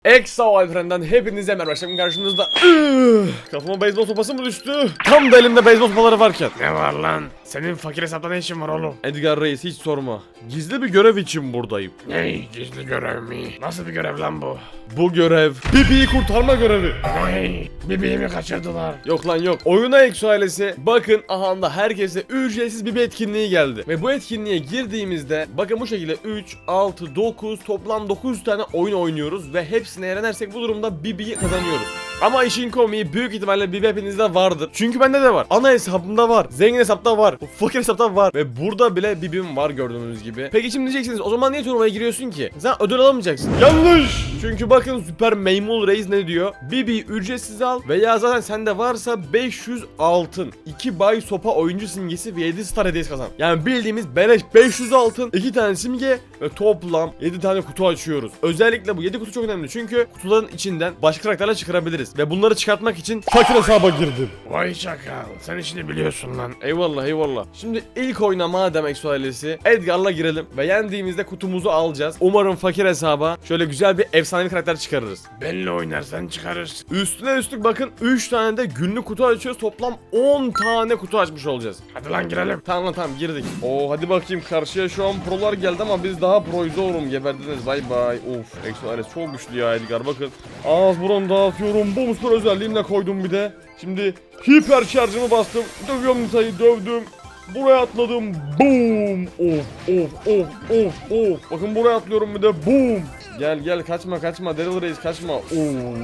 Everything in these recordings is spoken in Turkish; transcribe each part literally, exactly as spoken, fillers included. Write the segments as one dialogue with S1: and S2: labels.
S1: Eksa Alperen'den hepinize merhaba. Şimdi karşınızda Üh! Kafama beyzbol sopası mı düştü? Tam da elimde beyzbol sopaları varken.
S2: Ne var lan? Senin fakir hesapta ne işin var oğlum?
S1: Edgar Reis hiç sorma. Gizli bir görev için buradayım.
S2: Ne? Gizli görev mi? Nasıl bir görev lan bu?
S1: Bu görev Bibi'yi kurtarma görevi.
S2: Ay, Bibi'yi kaçırdılar?
S1: Yok lan yok. Oyuna Eksu ailesi bakın aha da herkese ücretsiz bir etkinliği geldi. Ve bu etkinliğe girdiğimizde bakın bu şekilde üç, altı, dokuz toplam dokuz tane oyun oynuyoruz ve hepsine yenersek bu durumda Bibi'yi kazanıyoruz. Ama işin komiği büyük ihtimalle Bibi hepinizde vardır. Çünkü bende de var. Ana hesabımda var. Zengin hesapta var. Fakir hesapta var. Ve burada bile Bibi'm var gördüğünüz gibi. Peki şimdi diyeceksiniz o zaman niye turnuvaya giriyorsun ki? Sen ödül alamayacaksın. Yanlış. Çünkü bakın Süper Meymul Reis ne diyor? Bibi'yi ücretsiz al veya zaten sende varsa beş yüz altın, iki bay sopa oyuncu simgesi ve yedi star hediyesi kazan. Yani bildiğimiz beleş beş yüz altın, iki tane simge ve toplam yedi tane kutu açıyoruz. Özellikle bu yedi kutu çok önemli çünkü kutuların içinden başka karakterler çıkarabiliriz. Ve bunları çıkartmak için fakir hesaba girdim.
S2: Vay çakal, sen işini biliyorsun lan.
S1: Eyvallah eyvallah. Şimdi ilk oyuna madem Eksu ailesi Edgar'la girelim ve yendiğimizde kutumuzu alacağız. Umarım fakir hesaba şöyle güzel bir efsanevi karakter çıkarırız.
S2: Benle oynarsan çıkarırsın.
S1: Üstüne üstlük bakın üç tane de günlük kutu açıyoruz. Toplam on tane kutu açmış olacağız.
S2: Hadi lan girelim.
S1: Tamam lan tamam girdik. Oo hadi bakayım karşıya şu an prolar geldi ama biz daha proyuz oğlum, geberdiniz bay bay. Of Eksu ailesi çok güçlü ya Edgar bakın. Ağız burun dağıtıyorum. Bu muslur özelliğimle koydum bir de. Şimdi hiper şarjımı bastım. Dövüyorum Nita'yı dövdüm. Buraya atladım. Boom. Of of of of of. Bakın buraya atlıyorum bir de boom. Gel gel kaçma kaçma Daryl Reis kaçma. Of.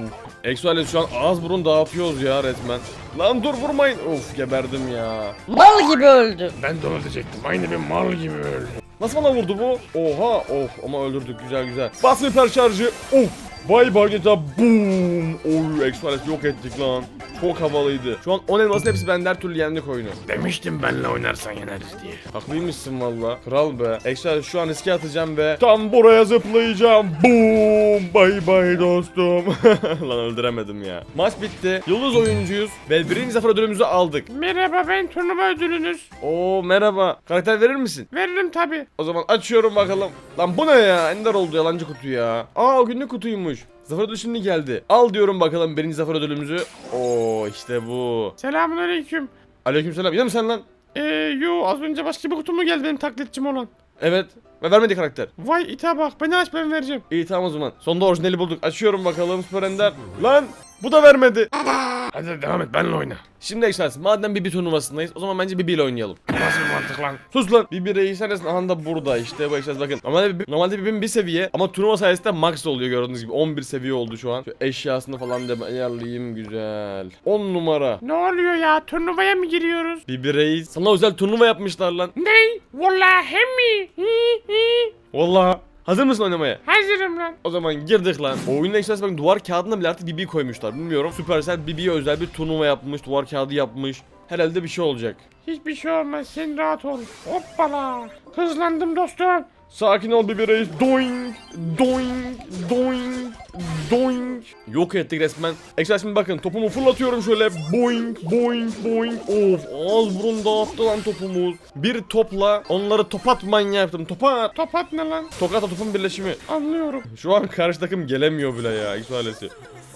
S1: Eksu ailesi şu an ağız burun dağıtıyoruz ya resmen. Lan dur vurmayın. Of geberdim ya.
S3: Mal gibi öldü.
S2: Ben de öyle diyecektim. Aynı bir mal gibi öldü.
S1: Nasıl bana vurdu bu? Oha of ama öldürdük güzel güzel. Bas hiper şarjı. Of. Vay Bargeta boom. Oy Eksu ailesi yok ettik lan. Çok havalıydı. Şu an on elmasın hepsi bende, her türlü yendik oyunu.
S2: Demiştim benle oynarsan yeneriz diye.
S1: Haklıymışsın valla. Kral be. Eksu şu an riske atacağım ve tam buraya zıplayacağım. Boom. Bay bay dostum. Lan öldüremedim ya. Maç bitti. Yıldız oyuncuyuz ve birinci zafer ödülümüzü aldık.
S2: Merhaba, ben turnuva ödülünüz.
S1: Oo merhaba. Karakter verir misin?
S2: Veririm tabi.
S1: O zaman açıyorum bakalım. Lan bu ne ya? Ender oldu yalancı kutu ya. Aa o günlük kutuymuş. Zafer ödülü şimdi geldi. Al diyorum bakalım birinci zafer ödülümüzü. Oo işte bu.
S2: Selamun aleyküm.
S1: Aleykümselam. Yine mi sen lan?
S2: Eee yo, az önce başka bir kutu mu geldi benim taklitçim olan?
S1: Evet. Ve vermedi karakter.
S2: Vay ite bak, beni aç ben vereceğim.
S1: İyi tamam o zaman. Sonunda orijinali bulduk. Açıyorum bakalım Süper Ender. Lan bu da vermedi.
S2: Hadi devam et, benle oyna.
S1: Şimdi Excelsior madem Bibi turnuvasındayız o zaman bence Bibi ile oynayalım.
S2: Nasıl bir mantık lan?
S1: Sus lan. Bibi reis neresin? Aha da burada işte bu Excelsior bakın. Normalde, Bibi, normalde Bibi'nin bir seviye ama turnuva sayesinde max oluyor gördüğünüz gibi. on bir seviye oldu şu an. Şu eşyasını falan da ayarlayayım güzel. on numara.
S2: Ne oluyor ya? Turnuvaya mı giriyoruz?
S1: Bibi reis. Sana özel turnuva yapmışlar lan.
S2: Ney? Vallahi mi? Hi, hi.
S1: Vallahi. Hazır mısın oynamaya?
S2: Hazırım lan.
S1: O zaman girdik lan. Oyunun Excelsior bakın duvar kağıdına bile artık Bibi'yi koymuşlar. Bilmiyorum. Supercell Bibi'ye özel bir turnuva yapmış. Duvar kağıdı yapmış. Herhalde bir şey olacak.
S2: Hiçbir şey olmaz, sen rahat ol. Hoppala. Hızlandım dostum.
S1: Sakin ol Bibi reis. Doing, doing, doing, doing. Yok ettik resmen. Ekstra şimdi bakın topumu fırlatıyorum şöyle. Boing, boing, boing. Of ağız burun dağıttı lan topumuz. Bir topla onları topat manyağı yaptım. Topat.
S2: Topat ne lan?
S1: Tokatla topun birleşimi.
S2: Anlıyorum.
S1: Şu an karşı takım gelemiyor bile ya. Ekstra ailesi.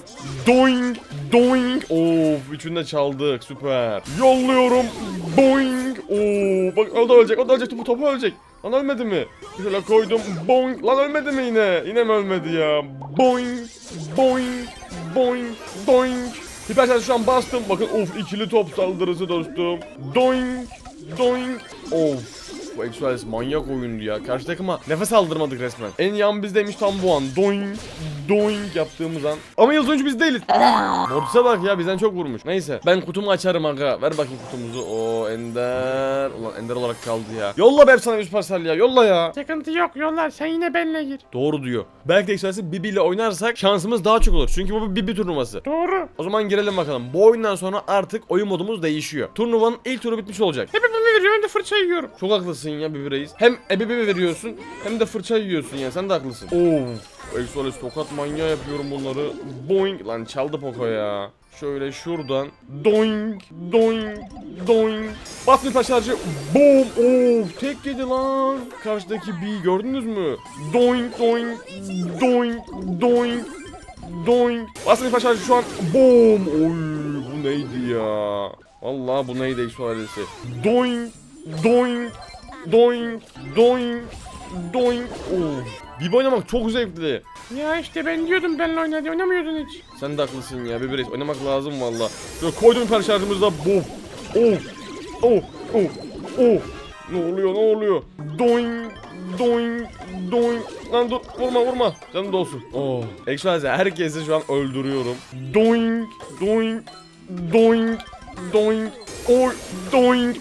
S1: Doing, doing. Of üçünü de çaldık süper. Yolluyorum. Boing. Oo bak o da ölecek, o da ölecek, topu topu ölecek. Lan ölmedi mi? Şöyle koydum. Boing. Lan ölmedi mi yine? Yine mi ölmedi ya? Boing. Boing. Boing. Doing. Hiper şarjı şu an bastım. Bakın of ikili top saldırısı dostum. Doing. Doing. Of. Bu Exuales manyak oyundu ya. Karşı takıma nefes aldırmadık resmen. En yan bizdeymiş tam bu an. Doing. Doing yaptığımız an. Ama yıldız oyuncu biz değiliz. Mortis'e bak ya bizden çok vurmuş. Neyse ben kutumu açarım aga. Ver bakayım kutumuzu. O Ender. Ulan Ender olarak kaldı ya. Yolla be sana bir Supercell ya. Yolla ya.
S2: Sıkıntı yok, yollar, sen yine benle gir.
S1: Doğru diyor. Belki de Exuales'i Bibi ile oynarsak şansımız daha çok olur. Çünkü bu bir Bibi turnuvası.
S2: Doğru.
S1: O zaman girelim bakalım. Bu oyundan sonra artık oyun modumuz değişiyor. Turnuvanın ilk turu bitmiş olacak.
S2: Hep bunu veriyor, ben de fırça yiyorum.
S1: Çok haklısın ya Bibi reis. Hem ebebebi veriyorsun hem de fırça yiyorsun ya. Sen de haklısın. Of. Exuales tokat manyağı yapıyorum bunları. Boing. Lan çaldı Poco ya. Şöyle şuradan. Doing. Doing. Doing. Bas bir şarjı. Boom. Of. Tek yedi lan. Karşıdaki B'yi gördünüz mü? Doing. Doing. Doing. Doing. doink. Bastım ilk başta şu an. Boom. Oy bu neydi ya? Vallahi bu neydi Exo ailesi? Doink. Doink. Doink. Doink. Doink. Oh. Bibi oynamak çok zevkli.
S2: Ya işte ben diyordum benimle oyna diye oynamıyordun hiç.
S1: Sen de haklısın ya. Bibi Reis oynamak lazım valla. Şöyle koydum hiper şarjımızda. Boom. Oh. Oh. Oh. Oh. Ne oluyor ne oluyor? Doink. Doink. Doink. Lan dur vurma vurma. Canım da olsun. Oh. Ekşi herkesi şu an öldürüyorum. Doink. Doink. Doink. Doink. Oy. Doink.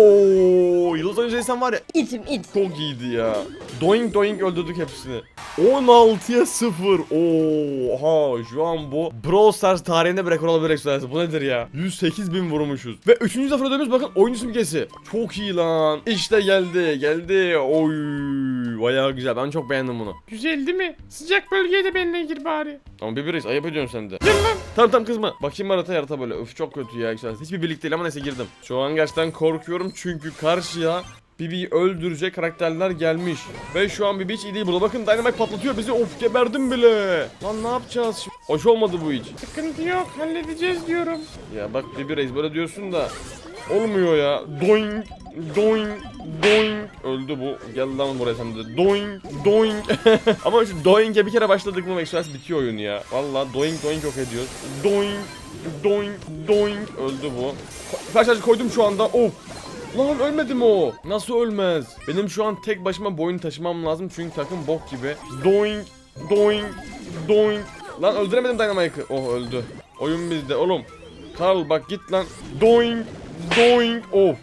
S1: Oho. Yıldız Oyuncu insan var ya.
S3: İtim it.
S1: Çok iyiydi ya. Doink doink öldürdük hepsini. on altıya sıfır. Oha şu an bu Brawl Stars tarihinde bir rekor olabilir Exodus. Bu nedir ya? yüz sekiz bin vurmuşuz. Ve üçüncü zafer ödememiz bakın oyuncu simgesi. Çok iyi lan. İşte geldi geldi. Oy bayağı güzel. Ben çok beğendim bunu.
S2: Güzel değil mi? Sıcak bölgeye de benimle gir bari.
S1: Ama bir reis ayıp ediyorsun sen de.
S2: Gel lan.
S1: Tamam tamam kızma. Bakayım harita harita böyle. Öf çok kötü ya Exodus. Hiçbir birlik değil ama neyse girdim. Şu an gerçekten korkuyorum çünkü karşıya Bibi'yi öldürecek karakterler gelmiş. Ve şu an Bibi hiç iyi değil burada. Bakın Dynamite patlatıyor bizi. Of geberdim bile. Lan ne yapacağız şimdi? Hoş olmadı bu hiç.
S2: Sıkıntı yok halledeceğiz diyorum.
S1: Ya bak Bibi Reis böyle diyorsun da olmuyor ya. Doink, doink, doink. Öldü bu. Gel lan buraya sen de. Doink, doink. Ama şu doink'e bir kere başladık mı Express bitiyor oyun ya. Vallahi doink doink yok ediyoruz. Doink, doink, doink. Öldü bu. Kaç koydum şu anda. Of. Lan ölmedi mi o? Nasıl ölmez? Benim şu an tek başıma boyun taşımam lazım çünkü takım bok gibi. Doink, doink, doink. Lan öldüremedim Dynamite'ı. Oh öldü. Oyun bizde oğlum. Karl bak git lan. Doink, doink. Of.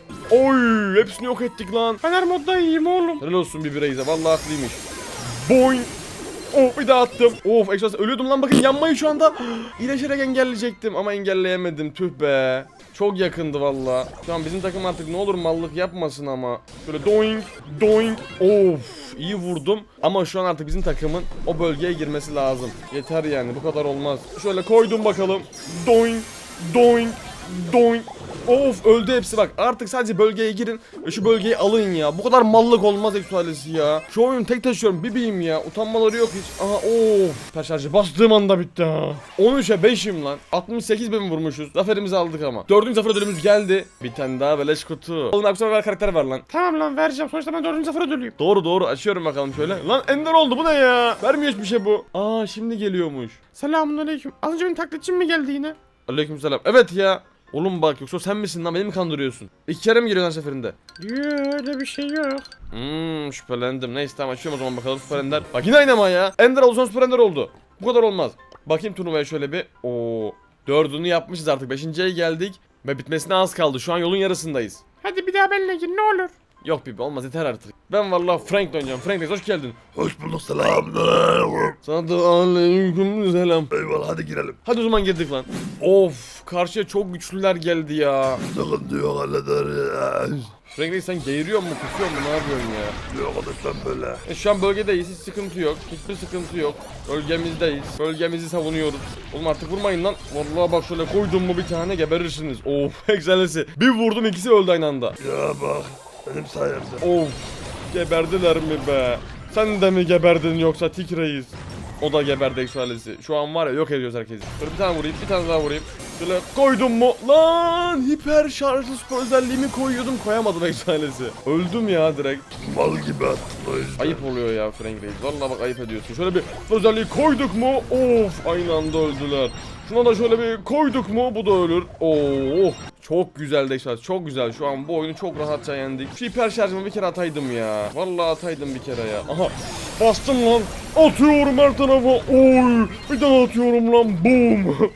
S1: Oy hepsini yok ettik lan.
S2: Fener modda iyiyim oğlum.
S1: Helal olsun bir bireyze vallahi haklıymış. Boing. Of bir daha attım. Of Exodus ölüyordum lan bakın yanmayı şu anda. İyileşerek engelleyecektim ama engelleyemedim tüh be. Çok yakındı valla. Şu an bizim takım artık ne olur mallık yapmasın ama. Şöyle doink doink. Of iyi vurdum. Ama şu an artık bizim takımın o bölgeye girmesi lazım. Yeter yani bu kadar olmaz. Şöyle koydum bakalım. Doink doink doink. Of öldü hepsi bak artık sadece bölgeye girin ve şu bölgeyi alın ya. Bu kadar mallık olmaz Exodus ya. Şu oyunu tek taşıyorum Bibi'yim ya. Utanmaları yok hiç. Aha of. Taş şarjı bastığım anda bitti ha. on üçe beşim lan. altmış sekiz bin vurmuşuz. Zaferimizi aldık ama. Dördüncü zafer ödülümüz geldi. Bir tane daha beleş kutu. Oğlum akşam ver karakter var lan.
S2: Tamam lan vereceğim. Sonuçta ben dördüncü zafere dönüyorum.
S1: Doğru doğru açıyorum bakalım şöyle. Lan ender oldu bu ne ya? Vermiyor hiçbir şey bu. Aa şimdi geliyormuş.
S2: Selamünaleyküm. Az önce benim taklitçim mi geldi yine?
S1: Aleykümselam. Evet ya. Oğlum bak yoksa sen misin lan beni mi kandırıyorsun? İki kere mi geliyorsun her seferinde?
S2: Yoo öyle bir şey yok.
S1: Hmm şüphelendim. Neyse tamam açıyorum o zaman bakalım süper ender. Bak yine aynı ama ya. Ender oldu sonra süper ender oldu. Bu kadar olmaz. Bakayım turnuvaya şöyle bir. Oo. Dördünü yapmışız artık. Beşinciye geldik. Ve bitmesine az kaldı. Şu an yolun yarısındayız.
S2: Hadi bir daha benimle gir ne olur.
S1: Yok Bibi olmaz yeter artık. Ben vallahi Frank oynayacağım. Frank Reis hoş geldin.
S4: Hoş bulduk selamünaleyküm.
S1: Sana da aleyküm selam.
S4: Eyvallah hadi girelim.
S1: Hadi o zaman girdik lan. Of karşıya çok güçlüler geldi ya.
S4: Sıkıntı yok hallederiz.
S1: Frank Reis sen geğiriyor mu kusuyor mu ne yapıyorsun ya?
S4: Yok lütfen böyle.
S1: E, şu an bölgedeyiz hiç sıkıntı yok. Hiçbir sıkıntı yok. Bölgemizdeyiz. Bölgemizi savunuyoruz. Oğlum artık vurmayın lan. Vallahi bak şöyle koydum mu bir tane geberirsiniz. Of egzalesi. Bir vurdum ikisi öldü aynı anda.
S4: Ya bak benim sayemde.
S1: Of geberdiler mi be? Sen de mi geberdin yoksa Tik Reis? O da geberdi egzalesi. Şu an var ya yok ediyoruz herkesi. Şöyle bir tane vurayım bir tane daha vurayım. Şöyle koydum mu? Lan hiper şarjlı spor özelliğimi koyuyordum koyamadım egzalesi. Öldüm ya direkt.
S4: Mal gibi attın o yüzden.
S1: Ayıp oluyor ya Frank Reis. Vallahi bak ayıp ediyorsun. Şöyle bir özelliği koyduk mu? Of aynı anda öldüler. Şuna da şöyle bir koyduk mu? Bu da ölür. Oh çok güzel de çok güzel. Şu an bu oyunu çok rahatça yendik. Şu hiper şarjımı bir kere ataydım ya. Vallahi ataydım bir kere ya. Aha bastım lan. Atıyorum her tarafa. Oy bir daha atıyorum lan. Boom.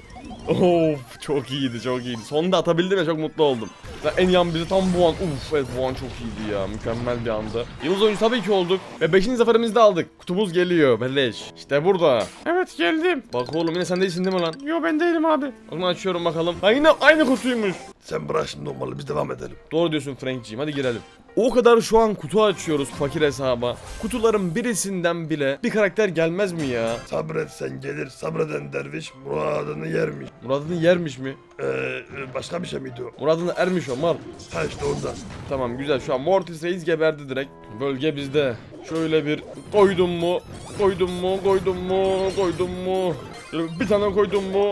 S1: Of çok iyiydi çok iyiydi. Sonunda atabildim ya çok mutlu oldum. En yan bizi tam bu an. Uf evet bu an çok iyiydi ya. Mükemmel bir anda. Yıldız oyuncu tabii ki olduk. Ve beşinci zaferimizi de aldık. Kutumuz geliyor beleş. İşte burada.
S2: Evet geldim.
S1: Bak oğlum yine sen değilsin değil mi lan?
S2: Yo ben değilim abi.
S1: O zaman açıyorum bakalım. Ha yine aynı kutuymuş.
S4: Sen bırak şimdi olmalı biz devam edelim.
S1: Doğru diyorsun Frank'ciğim hadi girelim. O kadar şu an kutu açıyoruz fakir hesaba. Kutuların birisinden bile bir karakter gelmez mi ya?
S4: Sabret sen gelir sabreden derviş muradını yermiş.
S1: Murad'ın yermiş ermiş mi?
S4: Ee, e, başka bir şey miydi o?
S1: Murad'ın ermiş o mal.
S4: Ha işte ondan.
S1: Tamam güzel, şu an Mortis Reis geberdi direkt. Bölge bizde. Şöyle bir koydum mu? Koydum mu? Koydum mu? Koydum mu? Şöyle bir tane koydum mu?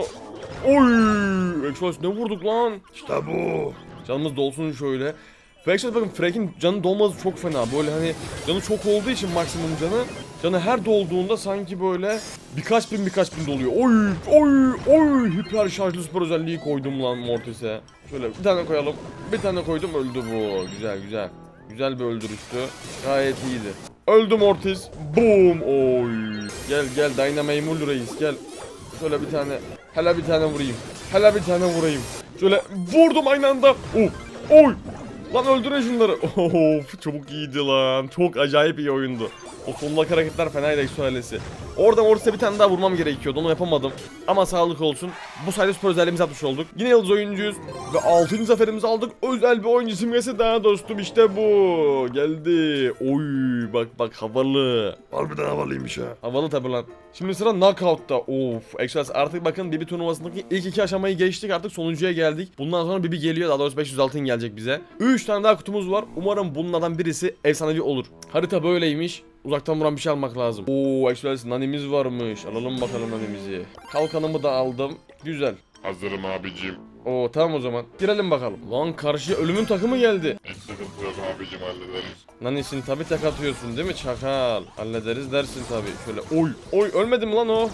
S1: Oy! Exos ne vurduk lan?
S4: İşte bu.
S1: Canımız dolsun şöyle. Ve Exos bakın Frank'in canı dolması çok fena. Böyle hani canı çok olduğu için maksimum canı. Canı her dolduğunda sanki böyle birkaç bin birkaç bin doluyor. Oy! Oy! Oy! Hiper şarjlı süper özelliği koydum lan Mortis'e. Şöyle bir tane koyalım. Bir tane koydum, öldü bu. Güzel güzel. Güzel bir öldürüştü. Gayet iyiydi. Öldü Mortis. Boom. Oy. Gel gel Dynamite Reis gel. Şöyle bir tane. Hele bir tane vurayım. Hele bir tane vurayım. Şöyle vurdum aynı anda. Oh. Oy. Lan öldürün şunları. Of çok iyiydi lan. Çok acayip iyi oyundu. O sondaki hareketler fenaydı Exo ailesi. Oradan ortaya bir tane daha vurmam gerekiyordu. Onu yapamadım. Ama sağlık olsun. Bu sayede süper özelliğimizi atmış olduk. Yine yıldız oyuncuyuz. Ve altıncı zaferimizi aldık. Özel bir oyuncu simgesi daha dostum. İşte bu. Geldi. Oy bak bak havalı.
S4: Harbiden havalıymış ha.
S1: Havalı tabi lan. Şimdi sıra knockout'ta. Of. Express artık bakın Bibi turnuvasındaki ilk iki aşamayı geçtik. Artık sonuncuya geldik. Bundan sonra Bibi geliyor. Daha doğrusu beş yüz altın gelecek bize. üç tane daha kutumuz var. Umarım bunlardan birisi efsanevi olur. Harita böyleymiş. Uzaktan vuran bir şey almak lazım. Oo Express nanimiz varmış. Alalım bakalım nanimizi. Kalkanımı da aldım. Güzel.
S3: Hazırım abicim.
S1: Oo tamam o zaman. Girelim bakalım. Lan karşıya ölümün takımı geldi.
S3: Hiç sıkıntı yok abicim, hallederiz.
S1: Nanisin tabi tek atıyorsun değil mi çakal? Hallederiz dersin tabi. Şöyle oy oy ölmedi mi lan o?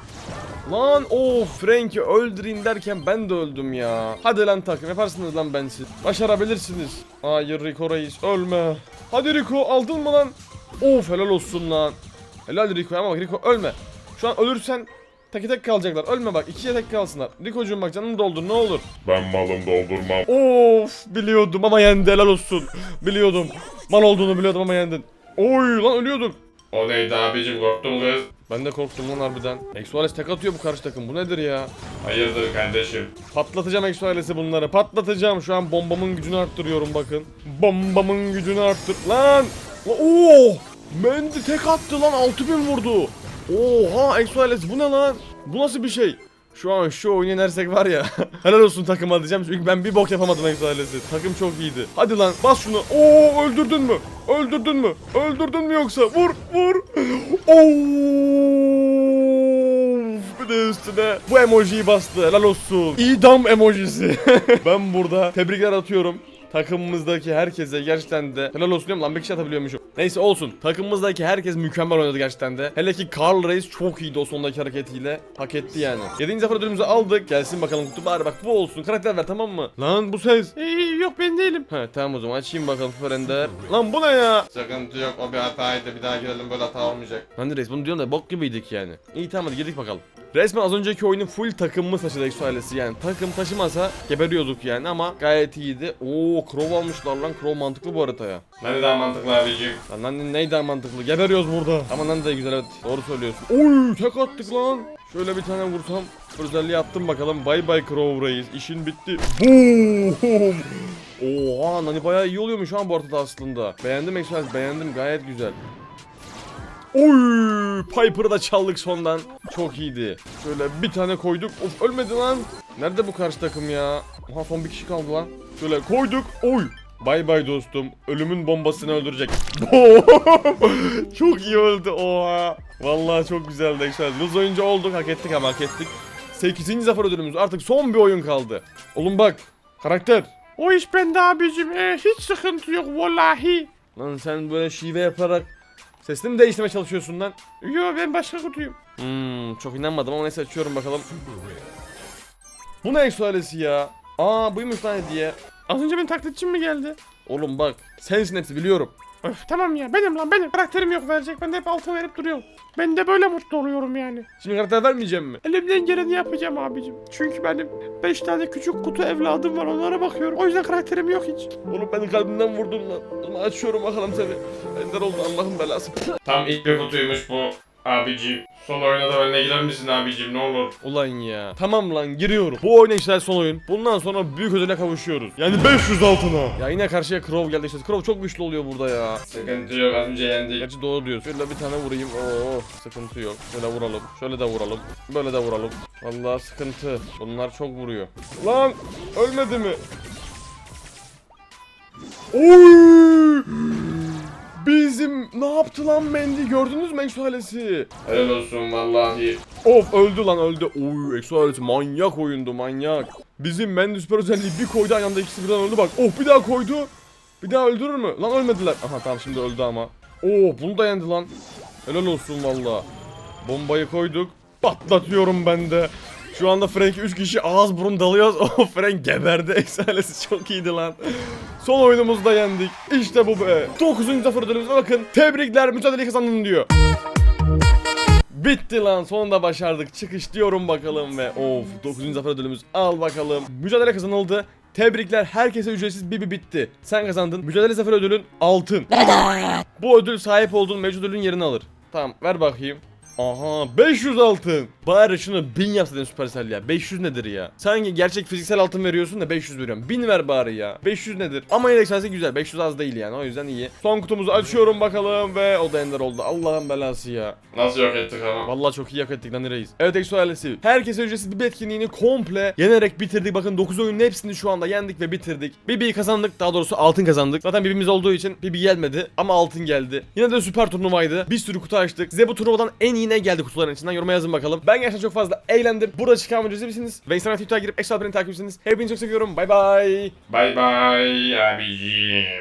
S1: Lan of Frank'i öldüreyim derken ben de öldüm ya. Hadi lan takım yaparsınız lan bensiz. Başarabilirsiniz. Hayır Rico Reis ölme. Hadi Rico aldın mı lan? Of helal olsun lan. Helal Rico ama bak Rico ölme. Şu an ölürsen tek tek kalacaklar. Ölme bak ikiye tek kalsınlar. Rico'cum bak canını doldur ne olur.
S3: Ben malım doldurmam.
S1: Of biliyordum ama yendi helal olsun. Biliyordum. Mal olduğunu biliyordum ama yendin. Oy lan ölüyorduk.
S3: O neydi abicim, korktun kız?
S1: Ben de korktum lan harbiden. Exoales tek atıyor bu karşı takım. Bu nedir ya?
S3: Hayırdır kardeşim?
S1: Patlatacağım Exoales'i bunları. Patlatacağım. Şu an bombamın gücünü arttırıyorum bakın. Bombamın gücünü arttır. Lan! Lan oo! Mendi tek attı lan. altı bin vurdu. Oha Exoales bu ne lan? Bu nasıl bir şey? Şu an şu oyunu yenersek var ya. Helal olsun takıma diyeceğim çünkü ben bir bok yapamadım Exoales'i. Takım çok iyiydi. Hadi lan bas şunu. Oo öldürdün mü? Öldürdün mü? Öldürdün mü yoksa? Vur vur. Oo! Bir de üstüne bu emojiyi bastı. Helal olsun. İdam emojisi. Ben burada tebrikler atıyorum. Takımımızdaki herkese gerçekten de helal olsun diyorum lan, bir kişi atabiliyormuşum. Neyse olsun. Takımımızdaki herkes mükemmel oynadı gerçekten de. Hele ki Carl Reis çok iyiydi o sondaki hareketiyle. Hak etti yani. yedinci zafer ödülümüzü aldık. Gelsin bakalım kutu bari bak bu olsun. Karakter ver tamam mı? Lan bu ses.
S2: Ee, yok ben değilim.
S1: He tamam o zaman açayım bakalım Süper Ender. Lan bu ne ya?
S3: Sıkıntı yok, o bir hataydı, bir daha girelim, böyle hata olmayacak.
S1: Lan Reis bunu diyorsun da bok gibiydik yani. İyi tamam hadi girdik bakalım. Resmen az önceki oyunun full takımımız taşıdı Exo ailesi yani. Takım taşımasa geberiyorduk yani ama gayet iyiydi. Oo Crow almışlar lan. Crow mantıklı bu haritaya.
S3: Ne daha mantıklı abicim?
S1: Lan lan neydi mantıklı? Geberiyoruz burada. Ama lan da güzel evet. Doğru söylüyorsun. Oy tek attık lan. Şöyle bir tane vursam. Özelliği attım bakalım. Bye bye Crow Reis. İşin bitti. Boom. Oha Nani bayağı iyi oluyormuş şu an bu haritada aslında. Beğendim Exo ailesi, beğendim gayet güzel. Oy! Piper'ı da çaldık sondan. Çok iyiydi. Şöyle bir tane koyduk. Of ölmedi lan. Nerede bu karşı takım ya? Oha son bir kişi kaldı lan. Şöyle koyduk. Oy! Bay bay dostum. Ölümün bombasını öldürecek. Çok iyi öldü. Oha. Vallahi çok güzeldi. Güzel. Yıldız oyuncu olduk. Hak ettik ama hak ettik. sekizinci zafer ödülümüz. Artık son bir oyun kaldı. Oğlum bak. Karakter.
S2: O iş bende abicim. Ee, hiç sıkıntı yok vallahi.
S1: Lan sen böyle şive yaparak sesini mi değiştirmeye çalışıyorsun lan?
S2: Yo ben başka kutuyum.
S1: Hmm, çok inanmadım ama neyse açıyorum bakalım. Bu ne Exo ailesi ya? Aa buymuş lan hediye.
S2: Az önce benim taklitçim mi geldi?
S1: Oğlum bak sensin hepsi biliyorum.
S2: Öf tamam ya benim lan benim. Karakterim yok verecek. Ben de hep altın verip duruyorum. Ben de böyle mutlu oluyorum yani.
S1: Şimdi karakter vermeyeceğim mi?
S2: Elimden geleni yapacağım abicim. Çünkü benim beş tane küçük kutu evladım var, onlara bakıyorum. O yüzden karakterim yok hiç.
S1: Oğlum beni kalbimden vurdun lan. Ama açıyorum bakalım seni. Ender oldu Allah'ın belası.
S3: Tam ilk bir kutuymuş bu abicim. Son oyuna da benimle girer misin abicim ne olur?
S1: Ulan ya. Tamam lan giriyorum. Bu oyuna işte son oyun. Bundan sonra büyük ödüle kavuşuyoruz. Yani beş yüz altına. Ya yine karşıya Crow geldi işte. Crow çok güçlü oluyor burada ya.
S3: Sıkıntı yok az önce yendik.
S1: Gerçi doğru diyorsun. Şöyle bir tane vurayım. Oo sıkıntı yok. Şöyle vuralım. Şöyle de vuralım. Böyle de vuralım. Vallahi sıkıntı. Bunlar çok vuruyor. Lan ölmedi mi? Oy! Bizim ne yaptı lan Mendy? Gördünüz mü Exo ailesi?
S3: Helal olsun vallahi.
S1: Of öldü lan öldü. Oy Exo ailesi manyak oyundu manyak. Bizim Mendy süper özelliği bir koydu aynı anda ikisi birden öldü bak. Oh bir daha koydu. Bir daha öldürür mü? Lan ölmediler. Aha tamam şimdi öldü ama. Oo bunu da yendi lan. Helal olsun valla. Bombayı koyduk. Patlatıyorum ben de. Şu anda Frank'i üç kişi ağız burun dalıyoruz. O Frank geberdi. Exo ailesi çok iyiydi lan. Son oyunumuzda yendik. İşte bu be. dokuzuncu zafer ödülümüze bakın. Tebrikler mücadeleyi kazandın diyor. Bitti lan sonunda başardık. Çıkış diyorum bakalım ve of dokuzuncu zafer ödülümüz al bakalım. Mücadele kazanıldı. Tebrikler herkese ücretsiz bir bir bitti. Sen kazandın. Mücadele zafer ödülün altın. Bu ödül sahip olduğun mevcut ödülün yerini alır. Tamam ver bakayım. Aha beş yüz altın. Bari şunu bin yapsaydın Supercell ya. beş yüz nedir ya? Sanki gerçek fiziksel altın veriyorsun da beş yüz veriyorum. bin ver bari ya. beş yüz nedir? Ama yine eksensi güzel. beş yüz az değil yani. O yüzden iyi. Son kutumuzu açıyorum bakalım ve o da ender oldu. Allah'ın belası ya.
S3: Nasıl yok ettik ama?
S1: Vallahi çok iyi hak ettik lan reis. Evet Exo ailesi. Herkese ücretsiz bir etkinliğini komple yenerek bitirdik. Bakın dokuz oyunun hepsini şu anda yendik ve bitirdik. B B'yi kazandık. Daha doğrusu altın kazandık. Zaten B B'miz olduğu için B B gelmedi ama altın geldi. Yine de süper turnuvaydı. Bir sürü kutu açtık. Size bu turnuvadan en iyi ne geldi kutuların içinden yoruma yazın bakalım. Ben gerçekten çok fazla eğlendim. Burada çıkan videoyu izlemişsiniz. Ve Instagram Twitter'a girip Exo Alperen'i takip etsiniz. Hepinizi çok seviyorum. Bay bay.
S3: Bay bay abicim.